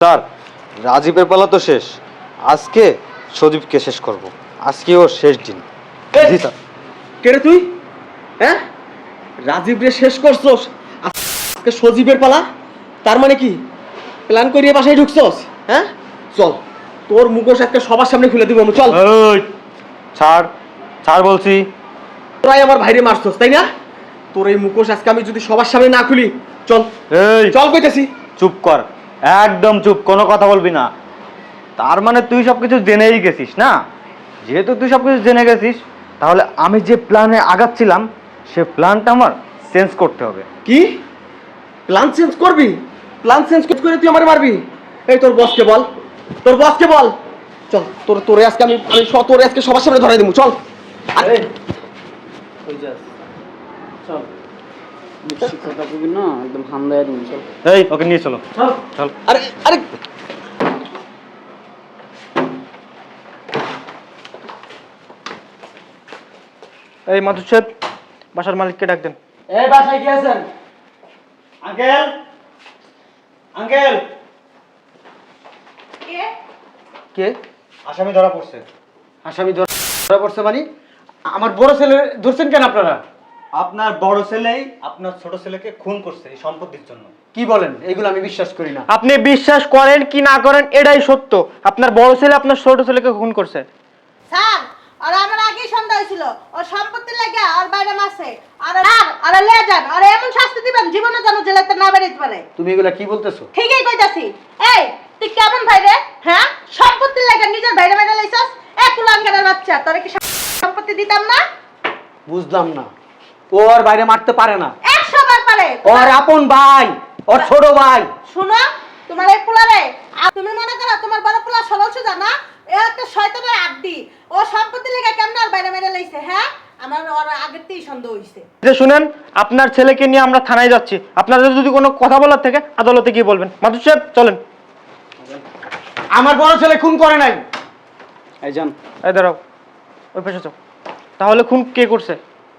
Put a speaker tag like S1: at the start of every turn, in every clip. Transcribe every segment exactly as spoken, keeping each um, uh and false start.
S1: Sir, রাজীবের পালা তো শেষ। আজকে সজীবকে শেষ করব। আজকে ওর শেষ দিন। জি স্যার।
S2: কে রে তুই? হ্যাঁ, রাজীব রে শেষ করছস, আজকে সজীবের পালা। তার মানে কি প্ল্যান করিয়ে বাসায় ঢুকছস? হ্যাঁ, চল তোর মুখোশ একটা সবার সামনে খুলে দিব আমি। চল।
S1: ওই ছাড়, ছাড় বলছি।
S2: তোরাই আমার ভাইরে মারছস তাই না? তোর এই মুখোশ আজকে আমি যদি সবার সামনে না খুলি, চল
S1: এই
S2: চল কইতেছি।
S1: চুপ কর, একদম চুপ, কোনো কথা বলবি না। তার মানে তুই সবকিছু জেনেই গেছিস না? যেহেতু তুই সবকিছু জেনে গেছিস, তাহলে আমি যে প্ল্যানে আগাচ্ছিলাম সে প্ল্যানটা আমার চেঞ্জ করতে হবে।
S2: কি প্ল্যান চেঞ্জ করবি? প্ল্যান চেঞ্জ করে তুই আমারে মারবি? এই তোর বসকে বল, তোর বসকে বল। চল তোর তোরে আজকে আমি আমি স- তোরে আজকে সবার সামনে ধরাই দেবো। চল। আরে
S3: ওই যাস চল, বেশি কথা কবি না, একদম হামদায় দিবি। চল
S1: এই ওকে নিয়ে চলো,
S3: চল
S1: চল।
S2: আরে আরে
S1: এই মাধু সাহেব, বাসার মালিককে ডাক দেন।
S3: এই বাসায় কি আছেন?
S1: Uncle, uncle.
S2: কে?
S1: আসামি ধরা পড়ছে।
S2: আসামি ধরা পড়ছে মানে? আমার বড় ছেলে ধরছেন কেন আপনারা?
S1: আপনার বড় ছেলেই আপনার ছোট ছেলেকে খুন করছে এই সম্পত্তির জন্য।
S2: কি বলেন? এগুলো আমি বিশ্বাস করি না।
S4: আপনি বিশ্বাস করেন কি না করেন এটাই সত্য। আপনার বড় ছেলে আপনার ছোট ছেলেকে খুন করছে।
S5: স্যার, আর আমার আগেই সন্দেহ হয়েছিল ওর সম্পত্তি লাগে আর বাইরে মাসে আর আর আর লে যান আর এমন শাস্তি দিবেন জীবনে যেন জেলাতে না বেরোতে পারে।
S2: তুমি এগুলা কি বলতেছো?
S5: ঠিকই কইতাছি। এই তুই কেমন ভাই রে? হ্যাঁ, সম্পত্তি লাগে নিজের বাইরে বাইরে লাইছস। এক কুলাঙ্গারের বাচ্চা, তোরে কি সম্পত্তি দিতাম না?
S2: বুঝলাম না। ও আর বাইরে মারতে পারে না।
S5: একশো বার পারে।
S2: ওর আপন ভাই, ওর ছোট ভাই।
S5: শুনো, তোমার এই পোলারে আর তুমি মনে করো তোমার বড় পোলা সরল সুজা না? এ একটা শয়তানের আড্ডি। ও সম্পত্তি লাগে কেমন আর বাইরে বাইরে লাইছে? হ্যাঁ, আমার ওর আগের থেকেই সন্দেহ হইছে।
S4: যে শুনেন, আপনার ছেলেকে নিয়ে আমরা থানায় যাচ্ছি। আপনাদের যদি কোনো কথা বলার থাকে আদালতে গিয়ে বলবেন। মাধু সাহেব চলেন।
S2: আমার বড় ছেলে খুন করে নাই।
S3: এই যান।
S4: এই দাঁড়াও, ওই পাশে যাও। তাহলে খুন কে করছে?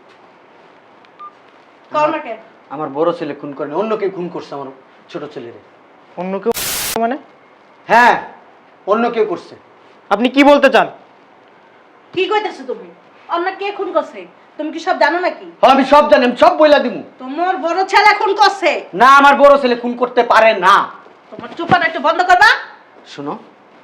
S5: কর্মকে
S2: আমার বড় ছেলে খুন করে নাই, অন্য কেউ খুন করছে আমার ছোট ছেলেরে।
S4: অন্য কেউ মানে?
S2: হ্যাঁ, অন্য কেউ করছে।
S4: আপনি কি বলতে চান?
S5: কি কইতাছো তুমি? অন্য কে খুন করছে? তুমি কি সব জানো নাকি?
S2: হ্যাঁ, আমি সব জানি, আমি সব বইলা দিমু।
S5: তোমার বড় ছেলে খুন করছে।
S2: না, আমার বড় ছেলে খুন করতে পারে না।
S5: তোমার চুপাটা একটু বন্ধ করবা?
S2: শোনো,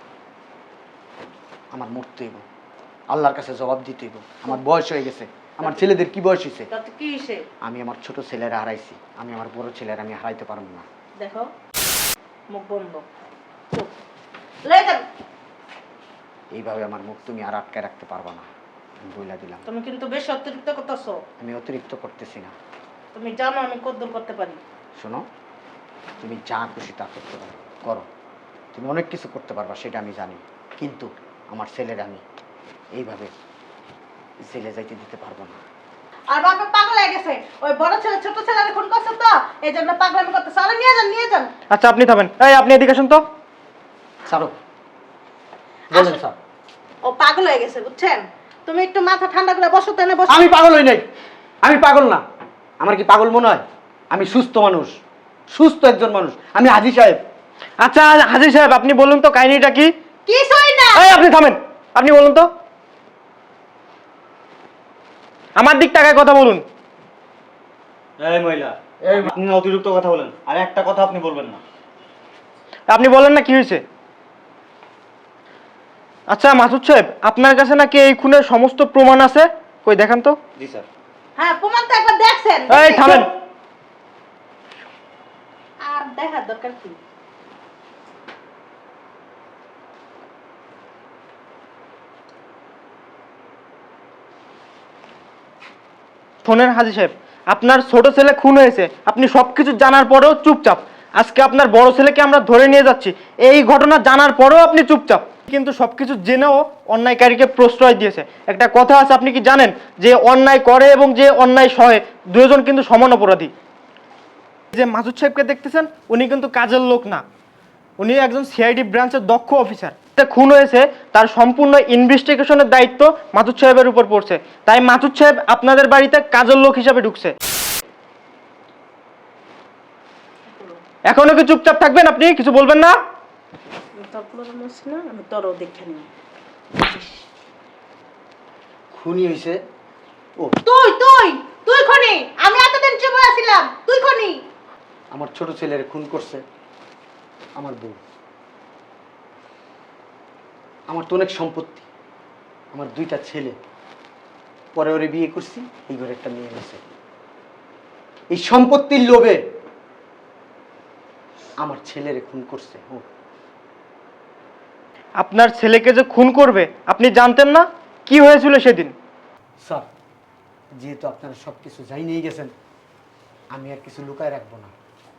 S2: আমার মরতে হইব, আল্লাহর কাছে জবাব দিতে হইব। আমার বয়স হয়ে গেছে। আমার ছেলেদের কি বয়স হয়েছে?
S5: তাতে কি হইছে?
S2: আমি আমার ছোট ছেলেরা হারাইছি, আমি আমার বড় ছেলেরা আমি হারাইতে পারবো না।
S5: দেখো, মুখ বন্ধ, চুপ। লয়ে যান।
S2: এইভাবে আমার মুখ তুমি আর আটকে রাখতে পারবা না, আমি বইলা দিলাম।
S5: তুমি কিন্তু বেশ অতিরিক্ত করতেছো।
S2: আমি অতিরিক্ত করতেছি না।
S5: তুমি জানো আমি কদ্দুর করতে পারি।
S2: শোনো, তুমি যা খুশি তা করতে পারো, করো। তুমি অনেক কিছু করতে পারবা, সেটা আমি জানি। কিন্তু আমার ছেলের আমি এইভাবে জেলে যাইতে দিতে পারবো না।
S5: আর বাবা পাগল হয়ে গেছে। ওই বড় ছেলে ছোট ছেলের খুন করছে তো, এই জন্য পাগলামি করতেছে। আরে নিয়ে যান, নিয়ে যান।
S4: আচ্ছা আপনি থামেন। এই আপনি এদিকে আসুন তো।
S2: ছাড়ো, বলেন
S5: আসুন।
S2: স্যার।
S5: ও পাগল হয়ে গেছে, বুঝছেন? তুমি একটু মাথা ঠান্ডা করে বসো, তেনে বসো।
S2: আমি পাগল হই নাই, আমি পাগল না। আমার কি পাগল মনে হয়? আমি সুস্থ মানুষ, সুস্থ একজন মানুষ। আমি হাজী সাহেব।
S4: আচ্ছা হাজির সাহেব, আপনি বলুন তো কাহিনীটা কি?
S5: কিছুই না।
S4: এই আপনি থামেন, আপনি বলুন তো। আমার দিক টাকায় কথা বলুন।
S1: এই মহিলা, আপনি না অতিরিক্ত কথা বলেন, আর একটা কথা আপনি বলবেন না।
S4: আপনি বলেন না কি হয়েছে। আচ্ছা মাসুদ সাহেব, আপনার কাছে নাকি এই খুনের সমস্ত প্রমাণ আছে? কই দেখান তো।
S1: জি স্যার।
S5: হ্যাঁ, প্রমাণ তো একবার দেখছেন।
S4: এই থামেন।
S5: আর দেখার দরকার কি?
S4: শোনেন হাজি সাহেব, আপনার ছোট ছেলে খুন হয়েছে, আপনি সবকিছু জানার পরেও চুপচাপ। আজকে আপনার বড় ছেলেকে আমরা ধরে নিয়ে যাচ্ছি, এই ঘটনা জানার পরেও আপনি চুপচাপ। কিন্তু সবকিছু জেনেও অন্যায়কারীকে প্রশ্রয় দিয়েছে। একটা কথা আছে, আপনি কি জানেন যে অন্যায় করে এবং যে অন্যায় সহে দুজন কিন্তু সমান অপরাধী। যে মাসুদ সাহেবকে দেখতেছেন, উনি কিন্তু কাজের লোক না, উনি একজন সিআইডি ব্রাঞ্চের দক্ষ অফিসার। খুন হয়েছে, তার সম্পূর্ণ ইনভেস্টিগেশনের দায়িত্ব মাসুদ সাহেবের উপর পড়ছে। তাই মাসুদ সাহেব আপনাদের বাড়িতে কাজের লোক হিসাবে ঢুকছে। এখনো কি চুপচাপ থাকবেন? আপনি কিছু বলবেন না?
S5: তোর পোলার মারছি না, আমি তোরও দেখে নিব।
S2: খুনি হয়েছে ও,
S5: তুই তুই তুই খনি, আমি এতদিন চুপ হয়ে ছিলাম, তুই খনি।
S2: আমার ছোট ছেলের খুন করছে আমার বউ। আমার তো অনেক সম্পত্তি, আমার দুইটা ছেলে, পরে ওরে বিয়ে করছি, এই ঘরে একটা মেয়ে গেছে। এই সম্পত্তির লোভে আমার ছেলেরে খুন করছে ও।
S4: আপনার ছেলেকে যে খুন করবে আপনি জানতেন না? কি হয়েছিল সেদিন?
S2: স্যার, যেহেতু আপনারা সব কিছু যাই নিয়ে গেছেন, আমি আর কিছু লুকায় রাখবো না।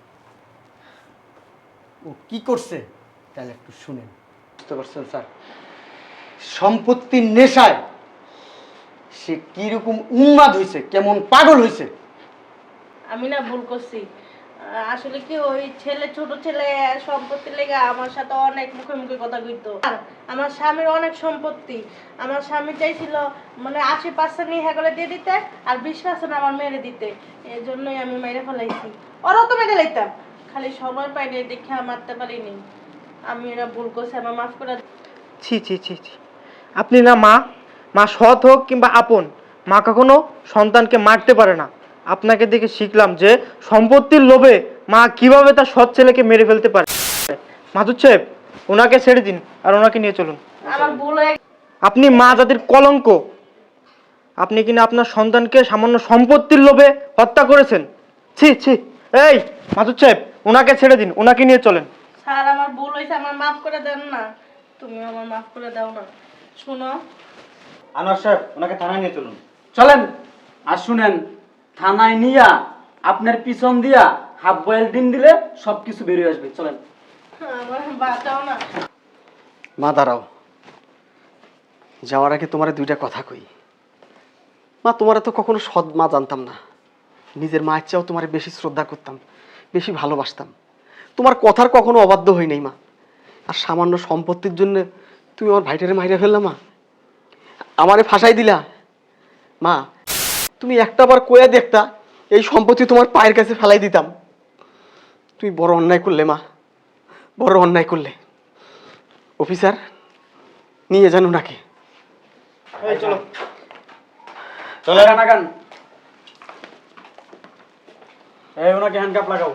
S2: ও কি করছে তাহলে একটু শুনেন। বুঝতে পারছেন স্যার? সম্পত্তির নেশায় সে কিরকম উন্মাদ হয়েছে, কেমন পাগল হয়েছে।
S5: আমি না ভুল করছি। আহ, আসলে কি ওই ছেলে, ছোট ছেলে সম্পত্তি লেগে আমার সাথে অনেক মুখে মুখে কথা কইতো। আর আমার স্বামীর অনেক সম্পত্তি, আমার স্বামী চাইছিল মানে আশি পার্সেন্ট ইহা করে দিয়ে দিতে আর বিশ পার্সেন্ট আমার মেরে দিতে। এই জন্যই আমি মেরে ফেলাইছি। ওরাও তো মেরে লাইতাম, খালি সময় পাইনি দেখে মারতে পারিনি। আমি এরা ভুল করছি, আমার মাফ করে দাও।
S4: ছি ছি ছি ছি, আপনি না মা, মা সৎ হোক কিংবা আপন, মা কখনো সন্তানকে মারতে পারে না। আপনাকে দেখে শিখলাম যে সম্পত্তির লোভে মা কিভাবে তার সৎ ছেলেকে মেরে ফেলতে পারে। মাধুর সাহেব, ওনাকে ছেড়ে দিন আর ওনাকে নিয়ে চলুন।
S5: আমার ভুল হয়ে
S4: আপনি মা জাতির কলঙ্ক। আপনি কিনা আপনার সন্তানকে সামান্য সম্পত্তির লোভে হত্যা করেছেন। ছি ছি। এই মাধুর সাহেব, ওনাকে ছেড়ে দিন, ওনাকে নিয়ে চলেন।
S5: স্যার, আমার ভুল হয়েছে, আমার মাফ করে দেন না। তুমি আমার মাফ করে দাও না। শুনো,
S1: আনোয়ার সাহেব, ওনাকে থানায় নিয়ে চলুন।
S3: চলেন। আর শুনেন, থানায় নিয়া আপনার পিছন দিয়া হাফ বয়েল ডিম দিলে সবকিছু বেরিয়ে আসবে। চলেন।
S5: আমার বাঁচাও না।
S2: মা দাঁড়াও, যাওয়ার আগে তোমার দুইটা কথা কই। মা, তোমার তো কখনো সৎ মা জানতাম না। নিজের মায়ের চেয়েও তোমার বেশি শ্রদ্ধা করতাম, বেশি ভালোবাসতাম। তোমার কথার কখনো অবাধ্য হই নাই মা। আর সামান্য সম্পত্তির জন্য তুমি আমার ভাইটারে মাইরে ফেললা মা, আমারে ফাঁসাই দিলা। মা, তুমি একটা বার কয়ে দেখতা, এই সম্পত্তি তোমার পায়ের কাছে ফেলাই দিতাম। তুমি বড় অন্যায় করলে মা, বড় অন্যায় করলে। অফিসার, নিয়ে যান ওনাকে।
S4: এই চলো।
S3: চলে নাগান। এই ওনাকে হ্যান্ডকাপ লাগাও।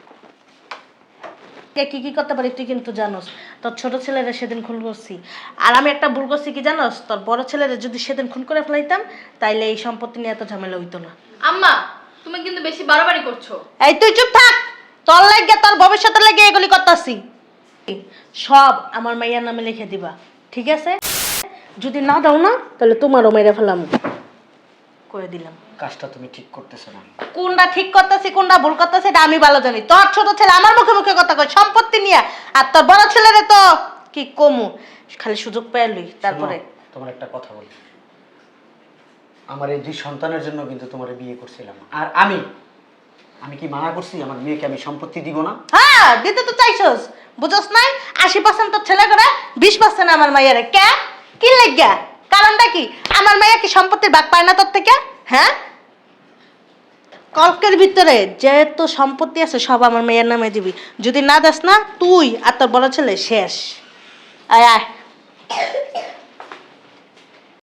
S5: কে কি কি করতে পারি তুই কিন্তু জানোস। তোর ছোট ছেলেরা সেদিন খুন করছি, আর আমি একটা ভুল করছি কি জানোস, তোর বড় ছেলেরা যদি সেদিন খুন করে ফেলাইতাম তাইলে এই সম্পত্তি নিয়ে এত ঝামেলা হইতো না।
S6: আম্মা, তুমি কিন্তু বেশি বাড়াবাড়ি করছো।
S5: এই তুই চুপ থাক, তোর লাগে তোর ভবিষ্যতের লাগে এগুলি করতেছি। সব আমার মাইয়ার নামে লিখে দিবা, ঠিক আছে? যদি না দাও না তাহলে তোমারও মেরে ফেলাম, করে দিলাম।
S2: কাজটা তুমি ঠিক করতেছো না।
S5: কোনটা ঠিক করতেছি কোনটা ভুল করতেছি এটা আমি ভালো জানি। তোর ছোট ছেলে আমার মুখে মুখে কথা কয় সম্পত্তি নিয়ে, আর তোর বড় ছেলেরে তো কি কমু, খালি সুযোগ পেলই। তারপরে
S2: শোনো, তোমার একটা কথা বলি। আমার এই দুই সন্তানের জন্য কিন্তু তোমার বিয়ে করছিলাম, আর আমি আমি কি মানা করছি আমার মেয়েকে আমি সম্পত্তি দিব না?
S5: হ্যাঁ, দিতে তো চাইছস, বুঝছস নাই? আশি পার্সেন্ট তোর ছেলে করে, বিশ পার্সেন্ট আমার মাইয়ারে। কে কি লাগিয়া? কারণটা কি? আমার মাইয়া কি সম্পত্তির ভাগ পায় না তোর থেকে? হ্যাঁ, কলকের ভিতরে যেহেত সম্পত্তি আছে সব আমার মেয়ের নামে দিবি। যদি না দাস না, তুই আর তোর বড় ছেলে শেষ। আয় আয়।